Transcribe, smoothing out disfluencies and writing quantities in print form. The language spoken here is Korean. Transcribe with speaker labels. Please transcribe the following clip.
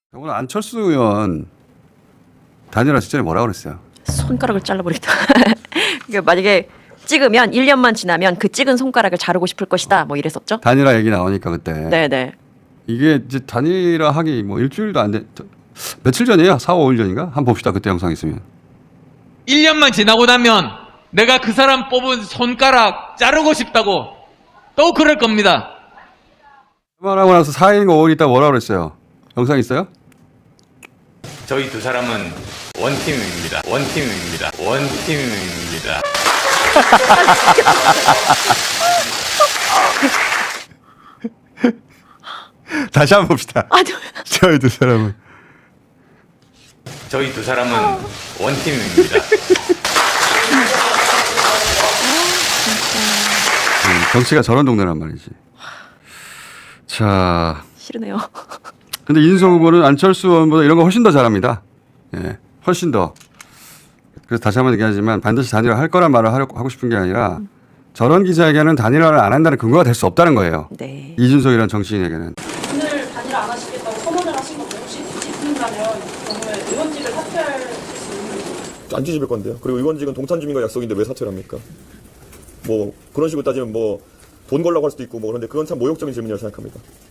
Speaker 1: 오늘 안철수 의원 단일화 직전에 뭐라고 그랬어요?
Speaker 2: 손가락을 잘라버리다. 그러니까 만약에 찍으면 1년만 지나면 그 찍은 손가락을 자르고 싶을 것이다. 뭐 이랬었죠.
Speaker 1: 단일화 얘기 나오니까 그때.
Speaker 2: 네네.
Speaker 1: 이게 이제 단일화 하기 뭐 일주일도 안 돼. 며칠 전이에요? 4, 5일 전인가? 한번 봅시다. 그때 영상 있으면.
Speaker 3: 1년만 지나고 나면 내가 그 사람 뽑은 손가락 자르고 싶다고 또 그럴 겁니다.
Speaker 1: 말하고 나서 4일인가 5일 있다 뭐라고 그랬어요? 영상 있어요?
Speaker 4: 저희 두 사람은 원팀입니다. 원팀입니다. 원팀입니다.
Speaker 1: 다시 한번 봅시다. 저희 두 사람은.
Speaker 4: 저희 두 사람은 원팀입니다.
Speaker 1: 정치가 저런 동네란 말이지. 자,
Speaker 2: 싫으네요.
Speaker 1: 근데 이준석 후보는 안철수 의원보다 이런 거 훨씬 더 잘합니다. 예, 훨씬 더. 그래서 다시 한번 얘기하지만 반드시 단일화 할 거란 말을 하고 싶은 게 아니라 저런 기자에게는 단일화를 안 한다는 근거가 될 수 없다는 거예요.
Speaker 2: 네.
Speaker 1: 이준석이라는 정치인에게는.
Speaker 5: 오늘 단일화 안 하시겠다고 선언을 하신 건데 혹시 뒤집힌다면 경우에 의원직을 사퇴할 수 있는
Speaker 6: 안 뒤집을 건데요. 그리고 의원직은 동탄 주민과 약속인데 왜 사퇴를 합니까? 뭐 그런 식으로 따지면 뭐 돈 걸라고 할 수도 있고 뭐 그런데 그건 참 모욕적인 질문이라고 생각합니다.